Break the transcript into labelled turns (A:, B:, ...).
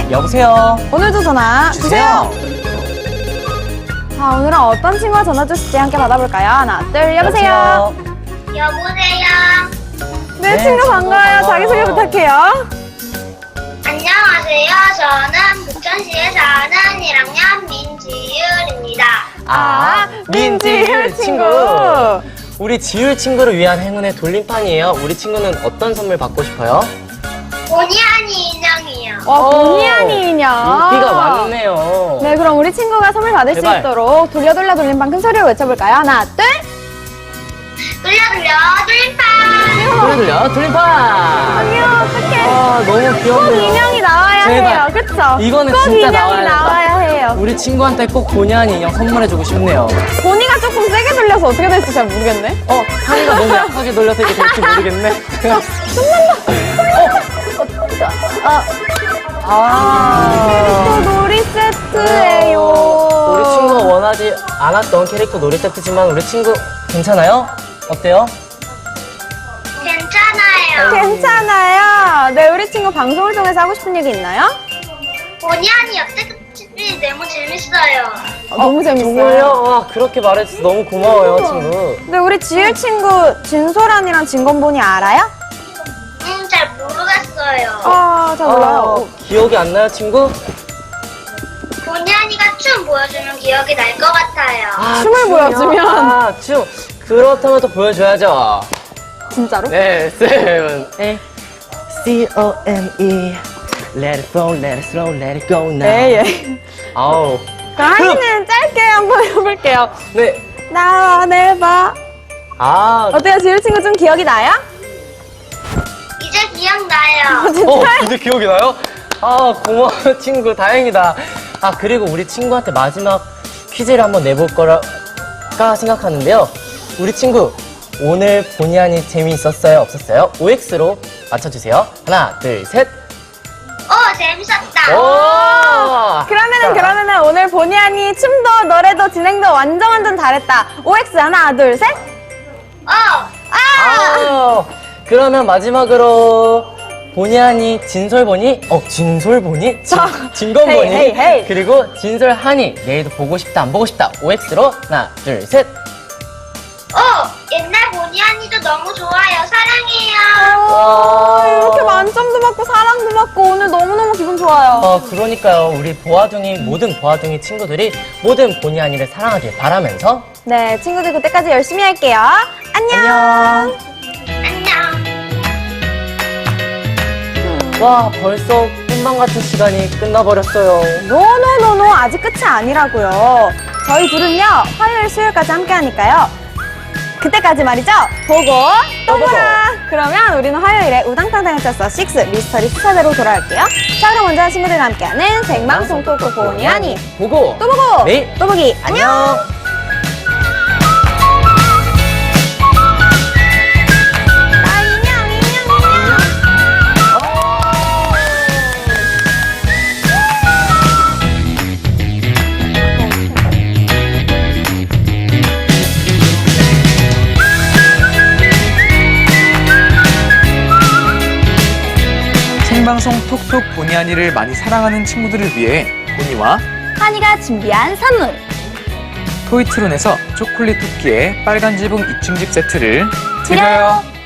A: 여보세요.
B: 오늘도 전화 주세요. 자, 오늘은 어떤 친구가 전화 주실지 함께 받아볼까요? 하나, 둘, 여보세요.
C: 여보세요.
B: 네,
A: 네,
B: 친구
A: 친구
B: 반가워요.
A: 반가워요.
B: 자기소개 부탁해요.
C: 안녕하세요. 저는 부천시에 사는 1학년 민지율입니다.
B: 민지율 친구.
A: 우리 지율 친구를 위한 행운의 돌림판이에요. 우리 친구는 어떤 선물 받고 싶어요?
C: 보니하니 인형이요.
B: 보니하니 인형.
A: 인기가 많네요.
B: 네, 그럼 우리 친구가 선물 받을 수
A: 제발.
B: 있도록 돌려 돌림판 큰 소리로 외쳐볼까요? 하나, 둘.
C: 돌려 돌림판.
A: 돌려 돌림판.
B: 아니요, 어떡해.
A: 너무
B: 꼭
A: 귀엽네요.
B: 인형이 나와야
A: 제발.
B: 해요. 그쵸?
A: 이거는
B: 꼭
A: 진짜
B: 인형이 나와야 해요.
A: 우리 친구한테 꼭 보니하니 인형 선물해주고 싶네요.
B: 보니가 조금 세게 돌려서 어떻게 될지 잘 모르겠네.
A: 하니가 너무 약하게 돌려서 이게 될지 모르겠네.
B: 또 놀이 세트예요.
A: 우리 친구가 원하지 않았던 캐릭터 놀이 세트지만 우리 친구 괜찮아요? 어때요?
C: 괜찮아요.
B: 괜찮아요. 네, 우리 친구 방송을 통해서 하고 싶은 얘기 있나요?
C: 보니하니 옆집이 너무 재밌어요.
B: 너무 재밌어요.
A: 정말요? 와, 그렇게 말해줘서 너무 고마워요, 친구.
B: 네, 우리 지율 친구 진솔한이랑 진건본이 알아요?
C: 잘 모르겠어요.
B: 잘 몰라요.
A: 기억이 안 나요, 친구?
C: 보니하니가 춤 보여주면 기억이 날 것 같아요.
B: 춤을
A: 춤이요?
B: 보여주면.
A: 춤. 그렇다면 또 보여줘야죠.
B: 진짜로?
A: 네, 7, 8. C-O-M-E. Let it flow, let it slow, let it go now.
B: 네, 예.
A: 아우.
B: 그럼 한이는 짧게 한번 해볼게요.
A: 네.
B: 나와 내봐. 어때요? 지율 친구 좀 기억이 나요?
C: 이제 기억나요.
B: 진짜?
A: 이제 기억이 나요? 고마워, 친구. 다행이다. 그리고 우리 친구한테 마지막 퀴즈를 한번 내볼 거랄까 생각하는데요. 우리 친구, 오늘 본의 아니 재미있었어요? 없었어요? OX로 맞춰주세요. 하나, 둘, 셋.
C: 재밌었다.
A: 오!
B: 그러면은 오늘 본의 아니 춤도 노래도 진행도 완전 잘했다. OX 하나, 둘, 셋.
A: 그러면 마지막으로 본의 아니 진솔보니, 진솔보니? 진건보니?
B: 헤이, 헤이.
A: 그리고 진솔하니, 내일도 보고 싶다, 안 보고 싶다. OX로 하나, 둘, 셋.
C: 옛날 보니하니도 너무 좋아요. 사랑해요.
B: 이렇게 만점도 받고 사랑도 받고 오늘 너무너무 기분 좋아요.
A: 그러니까요. 우리 모든 보아둥이 친구들이 모든 본의 아니를 사랑하길 바라면서
B: 네, 친구들 그때까지 열심히 할게요. 안녕.
A: 안녕.
C: 안녕.
A: 와, 벌써 꿈만 같은 시간이 끝나버렸어요.
B: 노노노노 아직 끝이 아니라고요. 저희 둘은요 화요일 수요일까지 함께 하니까요. 그때까지 말이죠. 보고 또
A: 보고.
B: 보라. 그러면 우리는 화요일에 우당탕탕을 쳤어 6 미스터리 수사대로 돌아올게요. 자, 그럼 먼저 친구들과 함께하는 생방송 토크 본의 아니
A: 보고
B: 또 보고
A: 내일
B: 또 보기.
A: 안녕.
D: 생방송 톡톡 본의 아니를 많이 사랑하는 친구들을 위해 본이와
B: 한이가 준비한 선물.
D: 토이트론에서 초콜릿 쿠키에 빨간 지붕 2층집 세트를
B: 드려요.